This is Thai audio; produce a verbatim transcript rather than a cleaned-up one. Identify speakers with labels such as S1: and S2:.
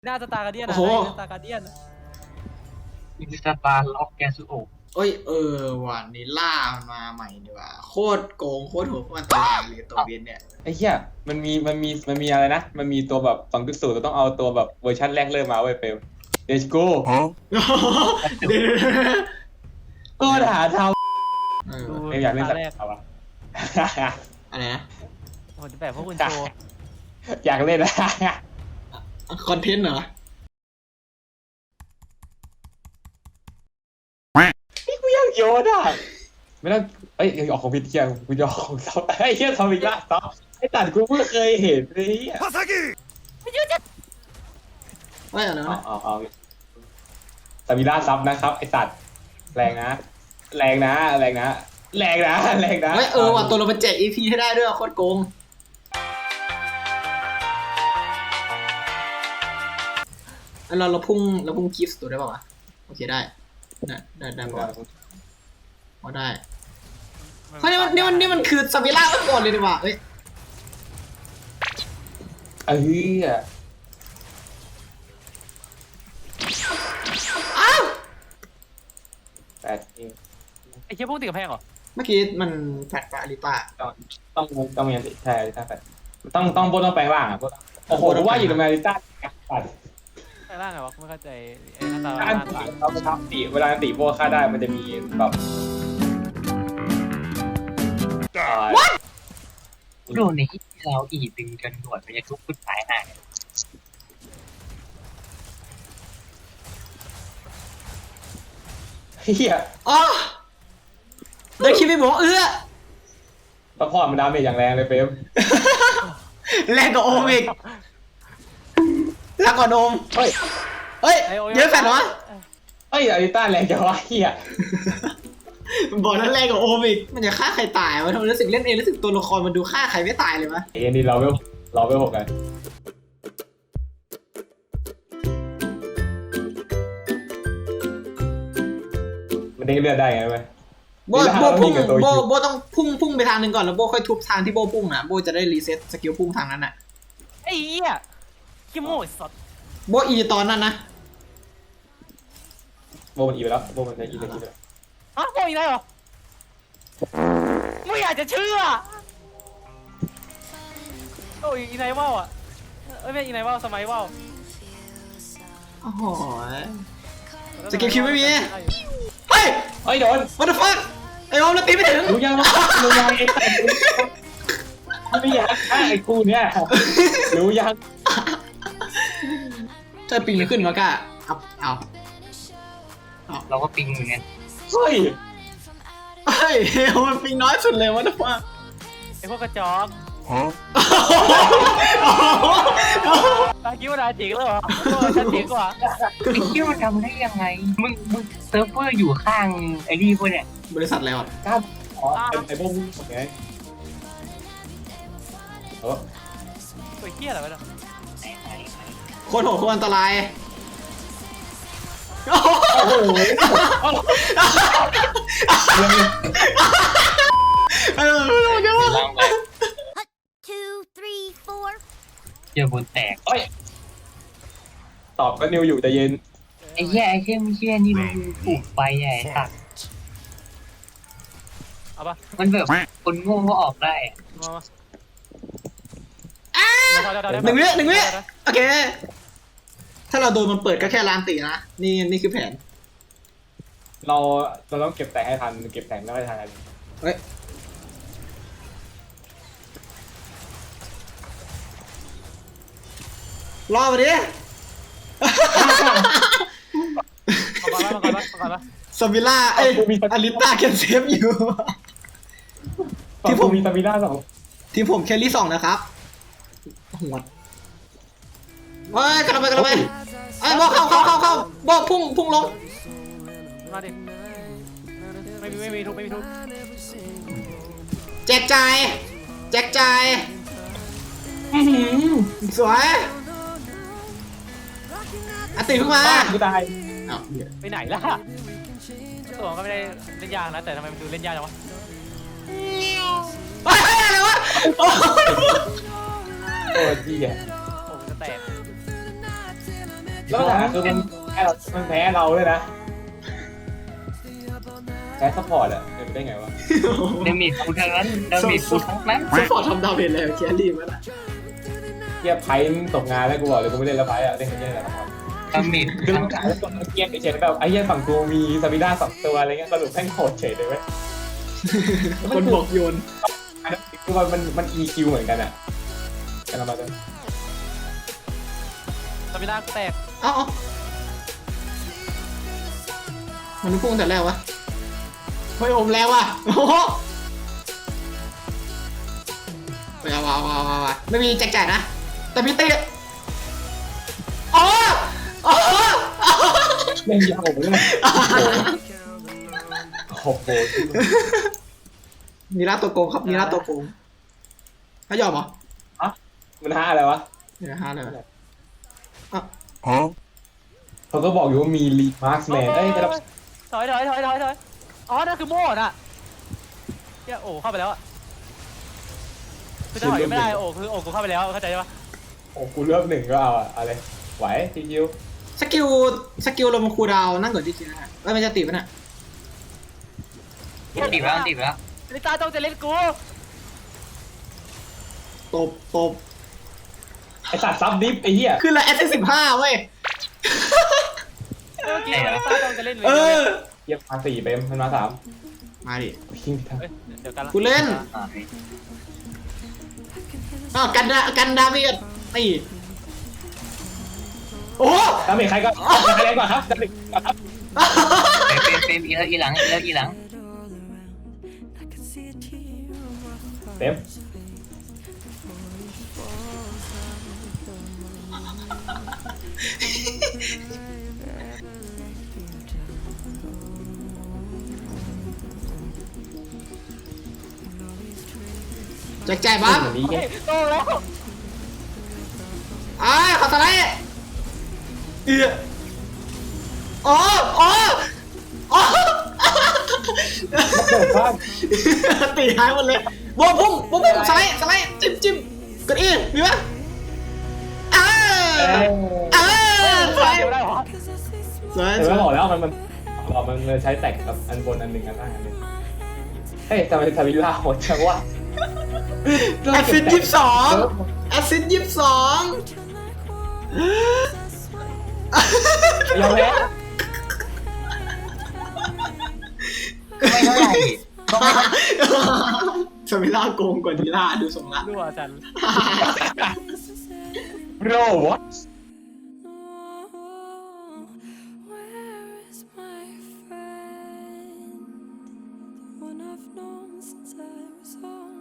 S1: หน้าสตาร์การเดียนนะสตาร์การเดียน
S2: มีสตาร์ล็อกแกสุโอ
S3: เอ้ยเออวันนี้ล่ามันมาใหม่ดีว่าโคตรโกงโคตรโหดมันตายเลยตัวเบนเนี่ย
S4: ไอ้เหี้ยมันมีมันมีมันมีอะไรนะมันมีตัวแบบ สองจุดศูนย์ เราต้องเอาตัวแบบเวอร์ชันแรกเริ่มมาไว้เฟล Let's go ก็หาทำเอออยากเล่นสักเอาวะ
S3: อะไรนะ
S1: ผมจะแบบพวกคุณโชว์
S4: อยากเล่นนะ
S3: คอนเทนต์เหรอ
S4: นี่กูอยากโยนอ่ะไม่ต้องเอ้ยออกของพิธีอ่ะกูจะออกของซับไอ้เหี้ยทำอีกละซับไอ้ตัดกูเพิ่งเคยเห็นเลยอ่ะ
S3: ว่าอย่างนั้น
S4: เอาเอาเอาสมิล่าซับนะครับไอ้สัตว์แรงนะแรงนะแรงนะแรงนะแรงนะ
S3: เฮ้ยเออว่ะตัวเราไปแจก อี พี ให้ได้ด้วยโคตรโกงเราเราพุ่งเราพุ่งคีฟตัวได้ป่าวะโอเคได้ได้ได้ได้ป่าวพอได้เฮ้ยนี่มันนี่มันนี่มันคือซาบิล่าเมื่อก่อนเลยดีกว่าเฮ้ย
S4: เอ้ย
S3: อ้าว
S4: แปดเอง
S1: ไอ้เชี่ยพวกติดกระแพงเหรอ
S3: เมื่อกี้มันแฟดปะอลิต้า
S4: ต้องต้องต้องมีใช่อลิต้าแฟดต้องต้องโบต้องแปลงร่างอ่ะโบโอ้โหว่าอยู่ในอลิต้าแฟด
S1: แปลงร่างไงวะไม่เข้าใจไอ้หน้าตา
S4: อันตีเราไปทำตีเวลาตีโบฆ่าได้มันจะมีแบบ
S2: โดนในที่เราอีดึงจนหนวดมันจะทุบขึ้นสายหาย
S4: เฮีย
S3: อ๋อได้คิดไม่บอกเอื้อ
S4: ตะพอดมันดาเมจอย่างแรงเลยเฟม
S3: แรงกว่าโอมอีกแรงกว่าโอมเฮ้ยเฮ้ยเยอะแฟนเหรอ
S4: เฮ้ยอลิต้าแรงจังวะเฮีย
S3: บอกนั้นแรงกว่าโอมอีกมันจะฆ่าใครตายวะทำไมรู้สึกเล่นเองรู้สึกตัวละครมันดูฆ่าใครไม่ตายเลยวะ
S4: เอ็นดีเราไม่เราไม่หกกันมันได้เลือดได้ไงไหม
S3: โบโบพุ่งโบโบต้องพุ่งพุ่งไปทางหนึ่งก่อนแล้วโบค่อยทุบทางที่โบพุ่งนะโบจะได้รีเซ็ตสกิลพุ่งทางนั้นน่ะ
S1: ไอ้เหี้ยขี้โม่สด
S3: โบอีตอนนั้นนะ
S4: โบมันอีไปแล้วโบมันจะอีไปแล้ว
S1: ฮะโบอีได้เหรอไม่อยากจะเชื่อโอ้ยอีไนว่าวอ่ะเอ้ยไม่อีไนว่าวสมัยว่าว
S3: โอ้โหสกิลคิวไม่มีเฮ้ย
S4: เฮ้ยโดน
S3: what the fuck ไอ้โอมแล้วตีไม่ถึง
S4: รู้ยังรู้ยังไอ้แต่ไม่อยากฆ่าไอ้กูเนี่ยรู้ยัง
S3: จะปิงขึ้นมาก้าเอาเอา
S2: เราก็ปิงเหมือนกัน
S4: เฮ้ย
S3: เฮ้ยมันปิงน้อยสุดเลยwhat the fuck
S1: ไอ้พวกกระจอกฮะตาคิดว่าดาจิกแล้วเหรอฉันจิกกว่า
S2: ไอ้คิดว่าทำได้ยังไงมึงมึงเซิร์ฟเวอร์อยู่ข้างไอ้นี่พวกเนี่ย
S3: บริษัทอะไรวะ
S4: ก้าวอ๋อไอ้พวกมึงโอเคเออ
S1: ตัวเหี้ยอะไรวะเนี่ย
S3: โคตรโหดโคตรอันตราย
S4: โอ้โห
S3: เออเดี๋ยว
S2: ล่างไปเจอบนแตก
S4: เอ้ยตอบก็นิวอยู่แต่เย็น
S2: ไอ้แย่ไอ้เชี่ยไม่เชี่ยนี่มันปลูกไปใหญ่ค่ะ
S1: เอาปะ
S2: มันแบบคนโง่ก็ออกได้
S3: หนึ่งวิหนึ่งวิโอเคถ้าเราโดนมันเปิดก็แค่ลานตีนะนี่นี่คือแผน
S4: เราเราต้องเก็บแต่งให้ทันเก็บแต่งไม่ได้ทัน
S3: เฮ้ยรอมาดิ
S1: มาก่อนมาก่อนมาก่อนมา
S3: ซาบิล่าเอ้ยอลิต้าแคนเซฟอยู่
S4: ที่ผมมีซาบิล่าสอง
S3: ที่ผมแคลรี่สองนะครับหัวเฮ้ยกระโดดไปกระโดดไปไอ้บอเข้าเข้าเข้าเข้าบอพุ่งพุ่งลง
S1: มาดิไม่มีไม่มีทุกไม่มีทุก
S3: แจกจ่ายแจกจ่ายสวยอ่ะตื่นขึ้นมา
S4: กูตาย
S1: ไปไหนล่ะตัวก็ไม่ได้เล่นยากนะแต่ทำไมมันดูเล่นยากจังวะ
S3: เฮ้ยอะไรวะโอ้
S4: โอ้ดีอ่ะ
S1: โอ้จะแตก
S4: แล้วปัญหาคือมันแพ้เรามันแพ้เราเลยนะแพ้ซัพพอร์ตอะเป็นไปได้ไงวะ
S2: เดมิดกูทั้งนั้นเดมิดกูทั้งนั้น
S3: สปอร์ตทำดาวเมจแล้วแครี่มันอ่ะ
S4: เกียร์ไพ่ตกงานแล้วกูบอกเลยกูไม่เล่นแล้วไพ่อะเล่นแค่นี้แหละครับ
S2: เดมิด
S4: คือเราขายแล้วคนเกียร์เฉยๆแบบไอ้เหี้ยฝั่งกูมีซาบิด้าสองตัวอะไรเงี้ยสรุปแม่งโหดเฉยเลยเว้ย
S3: คนบอกโยน
S4: อันนั้นคือมันมันมัน อี คิว เหมือนกันอะกันเรามาเลย
S1: สมินาแตก
S3: เอ้ามันพุ่งแต่แรกวะเฮ้ยอมแล้วว่ะโอ้โหไปเอาเอาเอาเอาเอาไม่มีแจกจ่ายนะแต่พี่ตีอ๋ออ๋อ
S4: เล่นยาวเลยนะโอ้โห
S3: มีร้านตัวโกงครับมีร้านตัวโกงถ้ายอมเหรอ
S4: ฮะมันห้าอะไรวะ
S3: เดี๋ยวฮะเลย
S4: เขาก็บอกอยู่ว่ามีลีมาร์คแมนเอ้ยแต่เรา
S1: ถอยถอยถอยถอยถอยอ๋อนั่นคือโม่น่ะเฮียโอ้เข้าไปแล้วอะคือจะถอยไม่ได้โอ้คือโอ้กูเข้าไปแล้วเข้าใจปะ
S4: โอ้กูเลือกหนึ่งก็เอาอะอะไรไหวทีคิว
S3: สกิลสกิลลงมาคูลดาวน์นั่งก่อนที่จริงนะแล้วมันจะติดปะเนี่ย
S2: ติดแล้วติดแล้ว
S1: ลิต้าต้องจะเล่นกู
S3: ตบตบ
S4: ไอสัตว์ซับดิฟไอ้เหี้ย
S3: ขึ้นละแอสเซนสิบห้าเว้ย
S1: เมื่อกี้ลิต้าต้องจะเล่นเลย
S3: เออ
S4: เยี่ยมมาสี่เปมมันมาสาม
S3: มาดิ
S4: ยิงทาง
S1: เดี๋ยวกันละ
S3: กูเล่นอ้าวกันดากันดาเมียดตีโอ้
S4: ดาเมจใครก็ใครแรงกว่าครับดาเมจก่อนครับ
S2: เฟรมเฟรมอีแล้วอีหลังอีแล้วอีหลัง
S4: เต็ม
S3: แจกจ่ายบ้าง
S4: แบบนี้
S1: เฮ้ยโตแล้ว
S3: อ่าขอสไลด์เอืออ๋ออ๋ออ๋อ
S4: เปิดบ้าน
S3: ตีหายหมดเลยบวมพุ่งบวมพุ่งสไลด์สไลด์จิ้มจิ้มกดอีมีปะอ่า
S4: เอ้ย
S3: อ่าสไลด์
S1: เดี๋ยวได้หรอ
S3: สวย
S4: เห็น
S3: ส
S4: ไหม
S3: วย
S4: บอกแล้วมันมันบอกมันมันใช้แตกกับอันบนอันหนึ่งอันล่างอันหนึ่งเฮ้ยทำไมทาวิลล่าโหดจังวะ
S3: แอสซิดยี่สิบสองแอสซิดยี่สิบสอง
S4: ยอมแพ้
S2: ไม่เท่าไหร่ก็ไม่
S3: สมิล่าโกงกว่าดีล่าดูทรงละ
S1: รั่วจัน
S4: โรวะ
S5: Where is my friend? The one I've known since I was on